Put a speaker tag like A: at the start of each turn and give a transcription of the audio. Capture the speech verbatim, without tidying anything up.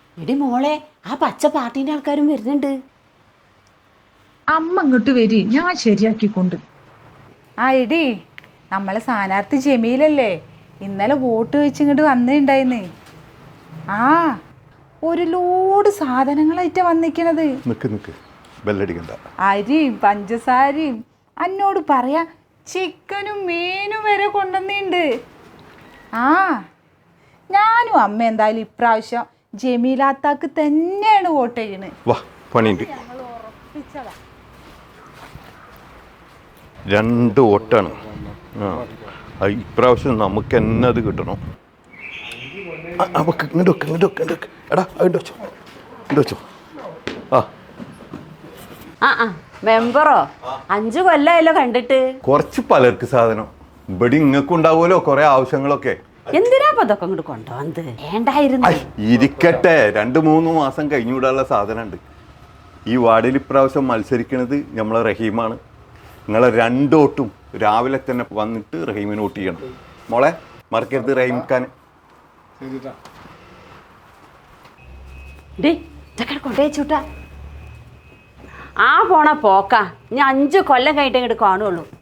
A: എടി മോളെ, ആ പച്ച പാർട്ടീൻ്റെ ആൾക്കാരും വരുന്നുണ്ട്.
B: അമ്മ ഇങ്ങോട്ട് വരി, ഞാൻ ശരിയാക്കിക്കൊണ്ട്.
C: ആ എടി, നമ്മളെ സ്ഥാനാർത്ഥി ജമീലല്ലേ, ഇന്നലെ വോട്ട് വെച്ച് ഇങ്ങോട്ട് വന്നിട്ടുണ്ടായിന്ന്. ആ ഒരു ലോഡ് സാധനങ്ങളായിട്ടാ വന്നിക്കണത്.
D: നിക്ക് നിക്ക് ബെല്ലടിക്കണ്ട.
C: അരിയും പഞ്ചസാരയും എന്നോട് പറയാ ചിക്കനും മീനും വരെ കൊണ്ടുവന്നിട്ടുണ്ട്. ആ ഞാനും അമ്മ എന്തായാലും ഇപ്രാവശ്യം ജമീലാത്താക്ക് തന്നെയാണ് വോട്ട് ചെയ്യണത്.
D: വാ പണിയുണ്ട്. രണ്ട് വോട്ടാണ്. ആ ഇപ്രാവശ്യം നമുക്ക് തന്നെ അത് കിട്ടണം. നമുക്ക് ഇങ്ങോട്ട് വെക്ക് ഇങ്ങോട്ട് വെക്ക് ഇങ്ങോട്ട് വെക്ക് എടാ ഇങ്ങോട്ട് വെച്ചോ ഇങ്ങോട്ട് വെച്ചോ. ആ
A: ആ ആ മെമ്പറോ, അഞ്ചു കൊല്ലായല്ലോ കണ്ടിട്ട്.
D: കുറച്ച് പലർക്ക് സാധനം ഇവിടെ ഇങ്ങക്കും ഉണ്ടാവുമല്ലോ കുറെ ആവശ്യങ്ങളൊക്കെ.
A: എന്തിനാ ഇപ്പൊ ഇതൊക്കെ ഇങ്ങോട്ട് കൊണ്ടുവന്നത്? വേണ്ടായിരുന്നു.
D: ഐ, ഇരിക്കട്ടെ, രണ്ട് മൂന്ന് മാസം കഴിഞ്ഞു വിടാനുള്ള സാധനമുണ്ട്. ഈ വാർഡിൽ ഇപ്രാവശ്യം മത്സരിക്കുന്നത് നമ്മളെ റഹീമാണ്. നിങ്ങളെ രണ്ടോട്ടും രാവിലെ തന്നെ വന്നിട്ട് റഹീമിന് വോട്ട് ചെയ്യണം. മോളെ മറക്കരുത് റഹീം ഖാൻ.
A: ഡേ ഇതൊക്കെ കൊണ്ടുവച്ചൂട്ടാ. ആ പോണ പോക്കാ, ഞാൻ അഞ്ചു കൊല്ലം കഴിഞ്ഞിട്ട് ഇങ്ങോട്ട് കാണുള്ളൂ.